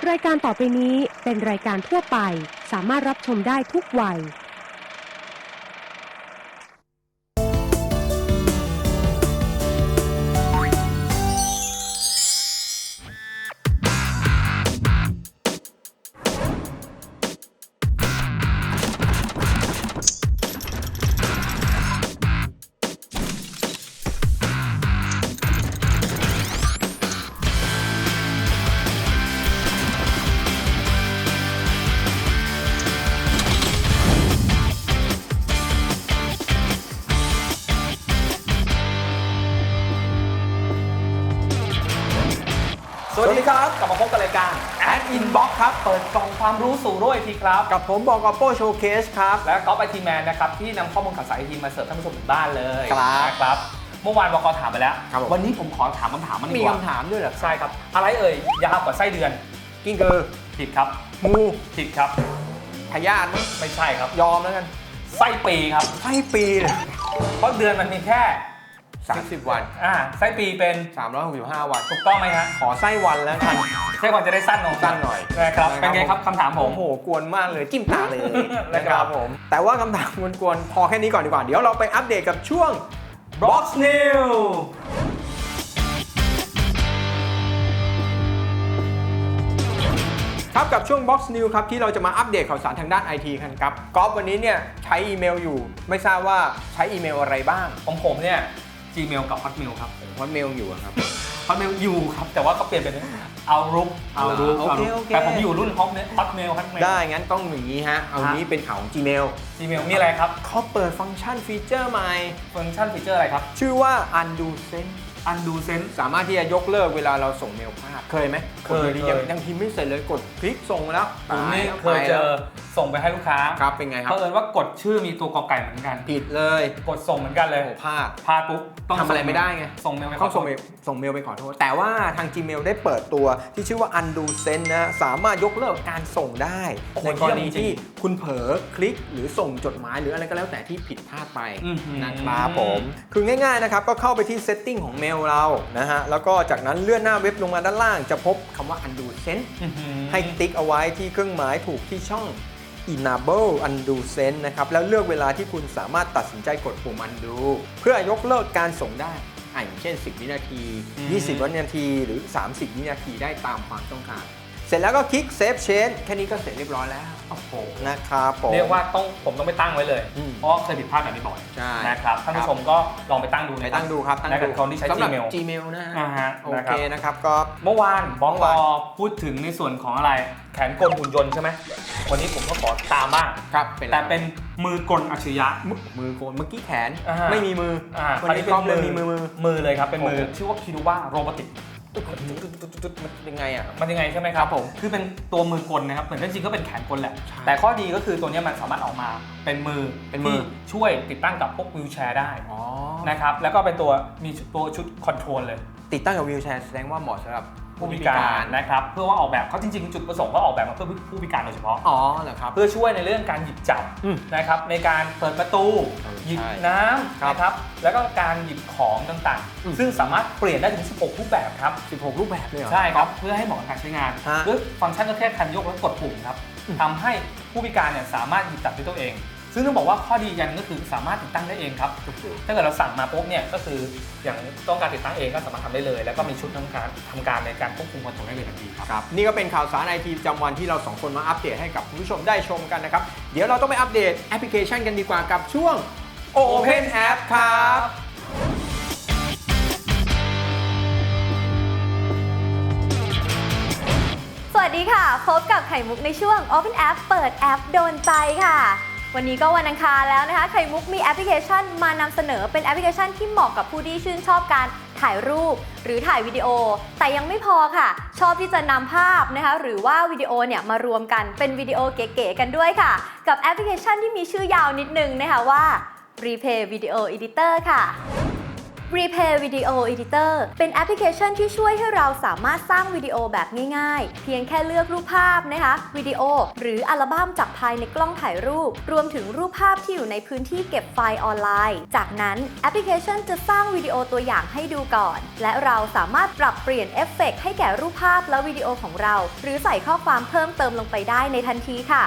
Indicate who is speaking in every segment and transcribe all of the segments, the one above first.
Speaker 1: รายการต่อไปนี้เป็นรายการทั่วไปสามารถรับชมได้ทุกวัย
Speaker 2: สวัสดีครับกลับมาพบกับรายการ Ad Inbox ครับเปิดกล่องความรู้สู่โลกไอทีครับ
Speaker 3: กับผมบอกกับโป้โชว์เคสครับ
Speaker 2: และก๊อฟไอทีแมนนะครับที่นำข้อมูลข่าวสารไอทีมาเสิร์ฟท่านผู้ชมถึงบ้านเลย
Speaker 3: ครับ
Speaker 2: เมื่อวานบอกถามไปแล้ว วันนี้ผมขอถามคำถามมันดีกว่า
Speaker 3: มีคำถามด้วยเหรอ
Speaker 2: ใช่ครับอะไรเอ่ยยาวกว่าไส้เดือน
Speaker 3: กิ้งกือ
Speaker 2: ผิดครับ
Speaker 3: งู
Speaker 2: ผิดครับ
Speaker 3: พยาธิมั้ย
Speaker 2: ไม่ใช่ครับ
Speaker 3: ยอมแล้วกัน
Speaker 2: ไส้ปีครับ
Speaker 3: ไส้ปีเลย
Speaker 2: เพราะเดือนมันมีแค่
Speaker 3: 30 วัน
Speaker 2: ไส้ปีเป็น
Speaker 3: 365 วัน
Speaker 2: ถูกต้องไหมฮะ
Speaker 3: ขอไส้วันแล้วกัน
Speaker 2: ไส้วันจะได้สั้นลง
Speaker 3: สั้นหน่อย
Speaker 2: นะครับเป็นไงครับคำถามผม
Speaker 3: โอ้โหกวนมากเลยจิ้มตาเลย
Speaker 2: นะครับ
Speaker 3: ผมแต่ว่าคำถามกวนๆพอแค่นี้ก่อนดีกว่าเดี๋ยวเราไปอัปเดตกับช่วง
Speaker 2: Box New
Speaker 3: ครับกับช่วง Box New ครับที่เราจะมาอัปเดตข่าวสารทางด้าน IT กันครับก๊อฟวันนี้เนี่ยใช้อีเมลอยู่ไม่ทราบว่าใช้อีเมลอะไรบ้าง
Speaker 2: ของผมเนี่ย Gmail กับ Hotmail ครับ
Speaker 3: ฮอตเมลอยู่ครับ
Speaker 2: Hotmail อยู่ครับแต่ว่าก็เปลี่ยนเป็น Outlook
Speaker 3: โอเค
Speaker 2: แต่ผมอยู่รุ่น Hotmail
Speaker 3: ได้งั้นต้องอย่างนี้ฮะเอานี้เป็นข่าวของ Gmail
Speaker 2: Gmail มีอะไรครับ
Speaker 3: เขาเปิดฟังก์ชันฟีเจอร์ใหม่
Speaker 2: ฟังก์ชันฟีเจอร์อะไรครับ
Speaker 3: ชื่อว่า Undo Send
Speaker 2: Undo Send
Speaker 3: สามารถที่จะยกเลิกเวลาเราส่งเมลพลาดเคยไหม
Speaker 2: เคย
Speaker 3: ยังพิมพ์ไม่เสร็จเลยกดคลิกส่งแล้ว
Speaker 2: ผมนี่
Speaker 3: ตา
Speaker 2: เคยเจอส่งไปให้ลูกค้า
Speaker 3: ครับเป็นไงครับ
Speaker 2: เผอิญว่ากดชื่อมีตัวกอไก่เหมือนกัน
Speaker 3: ผิดเลย
Speaker 2: กดส่งเหมือนกันเลย
Speaker 3: โอ้พลาด
Speaker 2: พลาดปุ๊บต้อง
Speaker 3: ทำอะไรไม่ได้ไง
Speaker 2: ส่งเมลไป
Speaker 3: ต้องส่งเมลไปขอโทษแต่ว่าทาง Gmail ได้เปิดตัวที่ชื่อว่า Undo Send นะสามารถยกเลิกการส่งได้ในกรณีที่คุณเผลอคลิกหรือส่งจดหมายหรืออะไรก็แล้วแต่ที่ผิดพลาดไปนะครับผมคือง่ายๆนะครับก็เข้าไปที่ Setting ของเมลเรานะฮะแล้วก็จากนั้นเลื่อนหน้าเว็บลงมาด้านล่างจะพบคำว่า Undo Send ให้ติ๊กเอาไว้ที่เครื่องหมายถูกที่ช่อง Enable Undo Send นะครับแล้วเลือกเวลาที่คุณสามารถตัดสินใจกดปุ่ม Undo เพื่อยกเลิกการส่งได้อย่างเช่น10 วินาที 20 วินาทีหรือ 30 วินาทีได้ตามความต้องการเสร็จแล้วก็คลิก Save Change แค่นี้ก็เสร็จเรียบร้อยแล้ว
Speaker 2: โอ้โห
Speaker 3: นะครับผม
Speaker 2: เรียกว่าผมต้องไปตั้งไว้เลย เพราะเคยผิดพลาดแบบนี้บ่อย
Speaker 3: ใช่
Speaker 2: นะครับท่านผู้ชมก็ลองไปตั้งดู
Speaker 3: ไปตั้งดูครับตั้งดู
Speaker 2: คนที่ใช้
Speaker 3: สำหรับ
Speaker 2: Gmail
Speaker 3: Gmail นะฮะ
Speaker 2: โอ
Speaker 3: โอ
Speaker 2: เค
Speaker 3: เคนะครับก็
Speaker 2: เมื่อวานบองพูดถึงในส่วนของอะไรแขนกลหุ่นยนต์ใช่ไหมวันนี้ผมก็ขอตามบ้าง
Speaker 3: ครับ
Speaker 2: แต่เป็นมือกลอัจฉริยะ
Speaker 3: มือโกนเมื่อกี้แขน
Speaker 2: อ่า
Speaker 3: ไม่มีมือ
Speaker 2: วันนี้เป็นมือเลยครับเป็นมือ
Speaker 3: โอ้
Speaker 2: ชื่อว่าคิดูว่าโรบอติก
Speaker 3: ยังไงอ่ะ
Speaker 2: มันยังไงใช่ไหมครับผมคือเป็นตัวมือกลนะครับเหมือนจริงๆก็เป็นแขนกลแหละ
Speaker 3: ใช่
Speaker 2: แต่ข้อดีก็คือตัวนี้มันสามารถออกมาเป็นมือที่ช่วยติดตั้งกับพวกวิวแชร์ได้
Speaker 3: อ๋อ
Speaker 2: นะครับแล้วก็เป็นตัวมีตัวชุดคอนโทรลเลย
Speaker 3: ติดตั้งกับวีลแชร์แสดงว่าเหมาะสำหรับ
Speaker 2: ผู้พิการนะครับเพื่อว่าออกแบบเขาจริงๆจุดประสงค์เขาออกแบบมาเพื่อผู้พิการโดยเฉพาะ
Speaker 3: อ๋อเหรอครับ
Speaker 2: เพื่อช่วยในเรื่องการหยิบจับ
Speaker 3: อืม
Speaker 2: นะครับในการเปิดประตู
Speaker 3: ใช่
Speaker 2: หยิบน้ำ
Speaker 3: ครับ
Speaker 2: นะครับแล้วก็การหยิบของต่าง
Speaker 3: อืม
Speaker 2: ๆ ซึ่งสามารถเปลี่ยนได้ถึง 16 รูปแบบครับ
Speaker 3: 16 รูปแบบเลยเหรอ
Speaker 2: ใช่ครับเพื่อให้เหมาะกับการใช้งาน
Speaker 3: ฮะ
Speaker 2: ด้วยฟังก์ชันก็แค่คันยกและกดปุ่มครับ
Speaker 3: อืม
Speaker 2: ทำให้ผู้พิการเนี่ยสามารถหยิบจับด้วยตัวเอง ซึ่งต้องบอกว่าข้อดีกันก็คือสามารถติดตั้งได้เองครับถ้าเกิดเราสั่งมาปุ๊บเนี่ยก็คืออย่างต้องการติดตั้งเองก็สามารถทำได้เลย แล้วก็มีชุดทำการในการควบคุมคอนโทรลได้เลยทันทีครับ
Speaker 3: ครับนี่ก็เป็นข่าวสารไอทีประจำวันที่เราสองคนมาอัปเดตให้กับคุณผู้ชมได้ชมกันนะครับ เดี๋ยวเราต้องไปอัปเดตแอปพลิเคชันกันดีกว่ากับช่วง Open App ครับ
Speaker 4: สวัสดีค่ะ พบกับไข่มุกในช่วง Open App เปิดแอปโดนใจค่ะ วันนี้ก็วันอังคารแล้วนะคะ ไข่มุกมีแอปพลิเคชันมานำเสนอเป็นแอปพลิเคชันที่เหมาะกับผู้ที่ชื่นชอบการถ่ายรูปหรือถ่ายวิดีโอ แต่ยังไม่พอค่ะ ชอบที่จะนำภาพนะคะหรือว่าวิดีโอเนี่ยมารวมกันเป็นวิดีโอเก๋ๆกันด้วยค่ะ กับแอปพลิเคชันที่มีชื่อยาวนิดนึงนะคะว่า Replay Video Editor ค่ะ Replay Video Editor เป็นแอปพลิเคชันที่ช่วยให้เราสามารถสร้างวิดีโอแบบง่ายๆเพียงแค่เลือกรูปภาพนะคะวิดีโอหรืออัลบั้มจากภายในกล้องถ่ายรูปรวมถึงรูปภาพที่อยู่ในพื้นที่เก็บไฟล์ออนไลน์จากนั้นแอปพลิเคชันจะสร้างวิดีโอตัวอย่างให้ดูก่อนและเราสามารถปรับเปลี่ยนเอฟเฟกต์ให้แก่รูปภาพและวิดีโอของเราหรือใส่ข้อความเพิ่มเติมลงไปได้ในทันทีค่ะ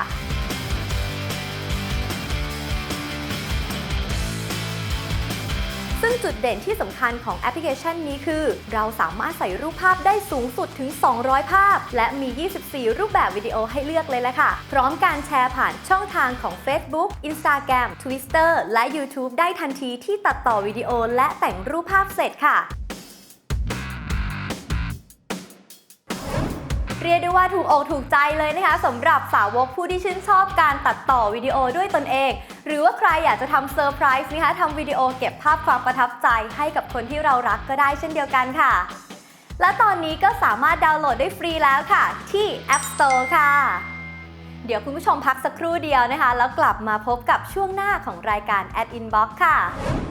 Speaker 4: ซึ่งจุดเด่นที่สำคัญของแอปพลิเคชันนี้คือเราสามารถใส่รูปภาพได้สูงสุดถึง 200 ภาพและมี 24 รูปแบบวิดีโอให้เลือกเลยละค่ะพร้อมการแชร์ผ่านช่องทางของ Facebook Instagram Twitter และ YouTube ได้ทันทีที่ตัดต่อวิดีโอและแต่งรูปภาพเสร็จค่ะเรียกได้ว่าถูกอกถูกใจเลยนะคะสำหรับสาวกผู้ที่ชื่นชอบการตัดต่อวิดีโอด้วยตนเองหรือว่าใครอยากจะทำเซอร์ไพรส์นะคะทำวิดีโอเก็บภาพความประทับใจให้กับคนที่เรารักก็ได้เช่นเดียวกันค่ะและตอนนี้ก็สามารถดาวน์โหลดได้ฟรีแล้วค่ะที่ App Store ค่ะเดี๋ยวคุณผู้ชมพักสักครู่เดียวนะคะแล้วกลับมาพบกับช่วงหน้าของรายการ Ad Inbox ค่ะ